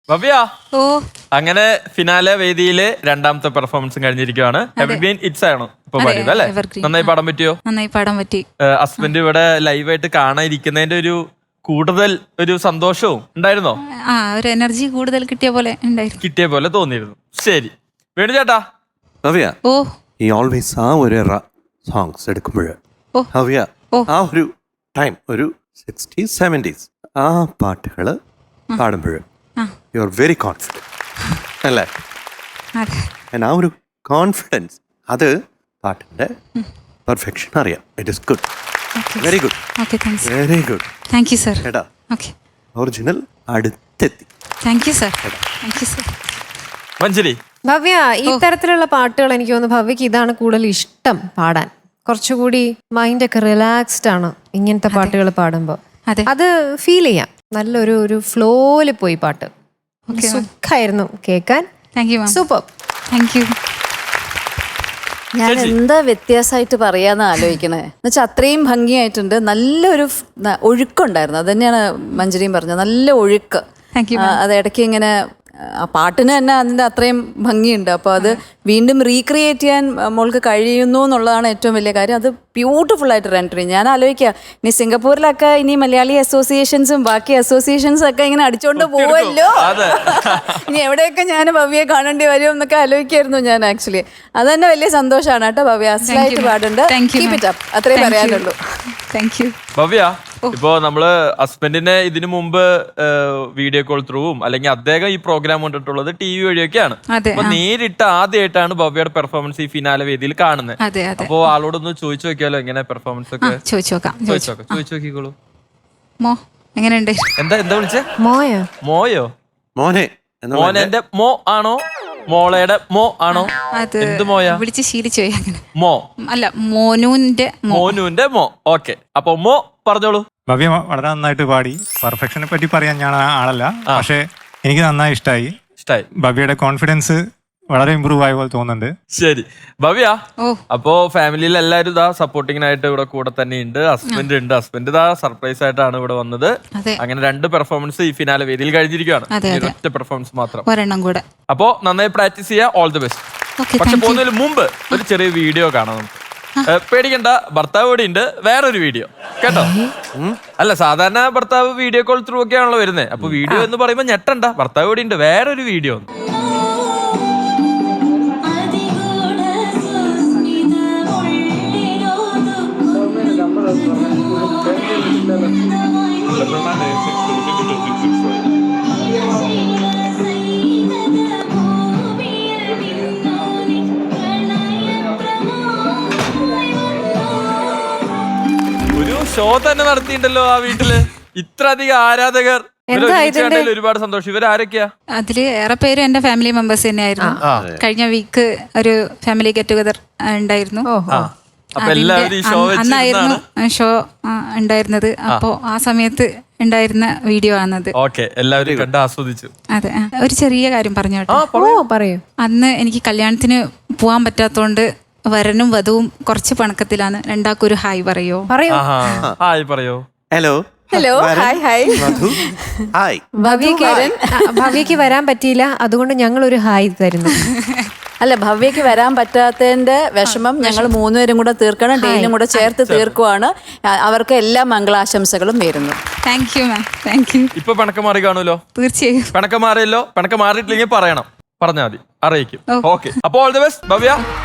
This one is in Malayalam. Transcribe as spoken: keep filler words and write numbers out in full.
ഭവ്യ ഓ അങ്ങനെ ഫിനാലെ വേദിയിലെ രണ്ടാമത്തെ പെർഫോമൻസും കഴിഞ്ഞിരിക്കുകയാണ്. എവർഗ്രീൻ ഇറ്റ്സ് ആണോ ഇപ്പൊ പാടിയത് അല്ലേ? Evergreen. നന്നായി പാടാൻ പറ്റിയോ? നന്നായി പാടാൻ പറ്റി. ഹസ്ബൻഡ് ഇവിടെ ലൈവായിട്ട് കാണാതിരിക്കുന്നതിന്റെ ഒരു കൂടുതൽ ഒരു സന്തോഷവും ഉണ്ടായിരുന്നോ? ആ ഒരു എനർജി കൂടുതൽ കിട്ടിയ പോലെ ഉണ്ടായിരുന്നു. കിട്ടിയ പോലെ തോന്നിയിരുന്നു. ശരി വേണു ചേട്ടാ. ഭവ്യ ഓ ഈ ഓൾവേസ് ആ ഒരു സോങ്സ് എടുക്കുമ്പോൾ ഓ. ഭവ്യ ഓ. ആ ഒരു ടൈം ഒരു സിക്സ്റ്റീസ് സെവൻറ്റീസ് ആ പാട്ടുകൾ പാടുമ്പോൾ ആ. യു ആർ വെരി കോൺഫിഡൻറ്റ് അല്ലേ? അതെ And ആ ഒരു കോൺഫിഡൻസ് അത് പാട്ടിൻ്റെ പെർഫെക്ഷൻ അറിയാം. It is good, very good, okay thanks very good. Thank you sir. കേട്ടാ ഓക്കെ ഒറിജിനൽ അടുത്തെത്തി. Thank you sir. Thank you sir. Manjari Bhavya ഈ തരത്തിലുള്ള പാട്ടുകൾ എനിക്ക് തോന്നുന്നു ഭവ്യക്ക് ഇതാണ് കൂടുതൽ ഇഷ്ടം പാടാൻ. കുറച്ചുകൂടി മൈൻഡൊക്കെ റിലാക്സ്ഡ് ആണ് ഇങ്ങനത്തെ പാട്ടുകൾ പാടുമ്പോൾ. അതെ അത് ഫീൽ ചെയ്യാം. നല്ലൊരു ഒരു ഫ്ലോയില് പോയി പാട്ട്. Okay, ma'am. സുഖമായിരുന്നു കേൾക്കാൻ. Thank you ma'am. Super. Thank you. ഞാൻ ചേച്ചി. എന്താ വ്യത്യാസമായിട്ട് പറയാന്ന് ആലോചിക്കണേ എന്നുവെച്ചാൽ അത്രയും ഭംഗിയായിട്ടുണ്ട്. നല്ലൊരു ഫ്- ന- ഒഴുക്കുണ്ടായിരുന്നു. അത് തന്നെയാണ് മഞ്ജരിയും പറഞ്ഞത്, നല്ല ഒഴുക്ക്. താങ്ക് യു ആ, അത് ഇടയ്ക്ക് ഇങ്ങനെ ആ പാട്ടിന് തന്നെ അതിൻ്റെ അത്രയും ഭംഗിയുണ്ട്. അപ്പോൾ അത് വീണ്ടും റീക്രിയേറ്റ് ചെയ്യാൻ മോൾക്ക് കഴിയുന്നു എന്നുള്ളതാണ് ഏറ്റവും വലിയ കാര്യം. അത് ബ്യൂട്ടിഫുൾ ആയിട്ട് റെൻഡർ ചെയ്യും. ഞാൻ ആലോചിക്കുക ഇനി സിംഗപ്പൂരിലൊക്കെ ഇനി മലയാളി അസോസിയേഷൻസും ബാക്കി അസോസിയേഷൻസും ഒക്കെ ഇങ്ങനെ അടിച്ചോണ്ട് പോവല്ലോ, അതെ. ഇനി എവിടെയൊക്കെ ഞാൻ ഭവ്യയെ കാണേണ്ടി വരും എന്നൊക്കെ ആലോചിക്കായിരുന്നു ഞാൻ. ആക്ച്വലി അത് തന്നെ വലിയ സന്തോഷമാണ് കേട്ടോ. ഭവ്യ അസലായിട്ട് പാടുണ്ട്. Thank you Keep it up. അത്രേ പറയാനുള്ളൂ. Thank you. ഭവ്യ ഇപ്പോ നമ്മള് ഹസ്ബൻഡിനെ ഇതിനു മുമ്പ് വീഡിയോ കോൾ ത്രൂവും അല്ലെങ്കിൽ അദ്ദേഹം ഈ പ്രോഗ്രാം കണ്ടിട്ടുള്ളത് ടി വി വഴിയൊക്കെയാണ്. അതെ, അപ്പൊ ആ. നേരിട്ട് ആദ്യമായിട്ടാണ് ഭവ്യയുടെ പെർഫോമൻസ് ഈ ഫിനാലെ വേദിയിൽ കാണുന്നത്. അതെ അതെ അപ്പോ ആളോടൊന്ന് ചോദിച്ചു നോക്കിയാലോ എങ്ങനെ പെർഫോമൻസ് ആ ഒക്കെ? ചോദിച്ചു നോക്കാം. ചോദിച്ചു നോക്കാം, ചോദിച്ചു നോക്കിക്കോളൂ. മോ എങ്ങനെയുണ്ട്? എന്താ എന്താ വിളിച്ചേ? മോയ മോയോ? മോനെ എന്ന് മോനെ എന്റെ മോ ആണോ മോളയുടെ മോ ആണോ? അത് എന്ത് മോയാ? വിളിച്ച് ശീലിച്ചു പോയി അങ്ങനെ. മോ അല്ല മോനുവിന്റെ മോ. മോനുവിന്റെ മോ. ഓക്കെ, അപ്പൊ മോ പറഞ്ഞോളൂ. ഭവ്യ വളരെ നന്നായിട്ട് പാടി. പെർഫെക്ഷനെ പറ്റി പറയാൻ ഞാൻ ആ ആളല്ല, പക്ഷെ എനിക്ക് നന്നായി ഇഷ്ടമായി. ഇഷ്ടായി. ഭവ്യയുടെ കോൺഫിഡൻസ് വളരെ ഇമ്പ്രൂവ് ആയ പോലെ തോന്നുന്നുണ്ട്. ശരി ഭവ്യ, ഓ അപ്പോ ഫാമിലിയിൽ എല്ലാവരും ഇതാ സപ്പോർട്ടിങ്ങിനായിട്ട് ഇവിടെ കൂടെ തന്നെ ഉണ്ട്. ഹസ്ബൻഡ് ഉണ്ട്. ഹസ്ബൻഡ് ഇതാ സർപ്രൈസ് ആയിട്ടാണ് ഇവിടെ വന്നത്. അതെ അങ്ങനെ രണ്ട് പെർഫോമൻസ് ഈ ഫിനാലെ വേദിയിൽ കഴിഞ്ഞിരിക്കുകയാണ്. അതെ, ഇനി അതെ. ഒറ്റ പെർഫോമൻസ് മാത്രം. ഒരെണ്ണം കൂടെ. അപ്പോ നന്നായി പ്രാക്ടീസ് ചെയ്യാ. All the best. ഓക്കെ പക്ഷെ താങ്ക് യു. പോകുന്നതിന് മുമ്പ് ഒരു ചെറിയ വീഡിയോ കാണാം നമുക്ക്. ഏ, പേടിക്കണ്ട, ഭർത്താവ് ഇവിടെ ഉണ്ട്. വേറൊരു വീഡിയോ കേട്ടോ. അല്ല, സാധാരണ ഭർത്താവ് വീഡിയോ കോൾ ത്രൂ ഒക്കെ ആണല്ലോ വരുന്നത്. അപ്പൊ വീഡിയോ എന്ന് പറയുമ്പോ ഞെട്ടണ്ട, ഭർത്താവ് ഇവിടെ ഉണ്ട്. വേറൊരു വീഡിയോ. ഒരു ഷോ തന്നെ നടത്തിയിട്ടുണ്ടല്ലോ ആ വീട്ടില്. ഇത്ര അധികം ആരാധകർ. ഇവരെ എന്താ ഒരുമിച്ച് ഇതിന്റെ- കണ്ടതിൽ ഒരുപാട് സന്തോഷം. ഇവരാരൊക്കെയാ? അതില് ഏറെ പേര് എന്റെ ഫാമിലി മെമ്പേഴ്സ് തന്നെയായിരുന്നു. കഴിഞ്ഞ വീക്ക് ഒരു ഫാമിലി ഗെറ്റ് ടുഗദർ ഉണ്ടായിരുന്നു. ആ, അപ്പൊ എല്ലാവരും ഈ ഷോ അന്ന് അന്നായിരുന്നു വെച്ചിരുന്നാണ്. ഷോ ഉണ്ടായിരുന്നത്. അപ്പോ ആ സമയത്ത് ഉണ്ടായിരുന്ന വീഡിയോ ആണത്. ഓക്കെ, എല്ലാവരും കണ്ട് ആസ്വദിച്ചു. അതെ ആ, ഒരു ചെറിയ കാര്യം പറഞ്ഞോട്ടെ. ഓ പറയൂ. അന്ന് എനിക്ക് കല്യാണത്തിന് പോവാൻ പറ്റാത്തോണ്ട് വരനും വധുവും കുറച്ച് പണക്കത്തിലാണ്. രണ്ടാൾക്കും ഒരു ഹായ് പറയോ? പറയൂ. ആഹാ, ഹായ് പറയോ. Hello hello, hi hi. Madhu hi. ഭവ്യക്ക് ആ, ഭവ്യക്ക് വരാൻ പറ്റിയില്ല, അതുകൊണ്ട് ഞങ്ങൾ ഒരു ഹായ് തരുന്നു. അല്ല, ഭവ്യക്ക് വരാൻ പറ്റാത്തതിന്റെ വിഷമം ഞങ്ങൾ മൂന്നുപേരും കൂടെ തീർക്കണം. ഡെയിലും കൂടെ ചേർത്ത് തീർക്കുവാണ്. അ- അവർക്ക് എല്ലാ മംഗളാശംസകളും നേരുന്നു. Thank you ma'am. Thank you. ഇപ്പൊ പിണക്കം മാറി കാണുമല്ലോ. തീർച്ചയായും. പിണക്കം മാറിയല്ലോ. പിണക്കം മാറിയിട്ടില്ലെങ്കിൽ പറയണം, പറഞ്ഞാൽ മതി, അറിയിക്കും. ഓ. ഓക്കെ, അപ്പൊ ഓൾ ദി ബെസ്റ്റ് ഭവ്യ.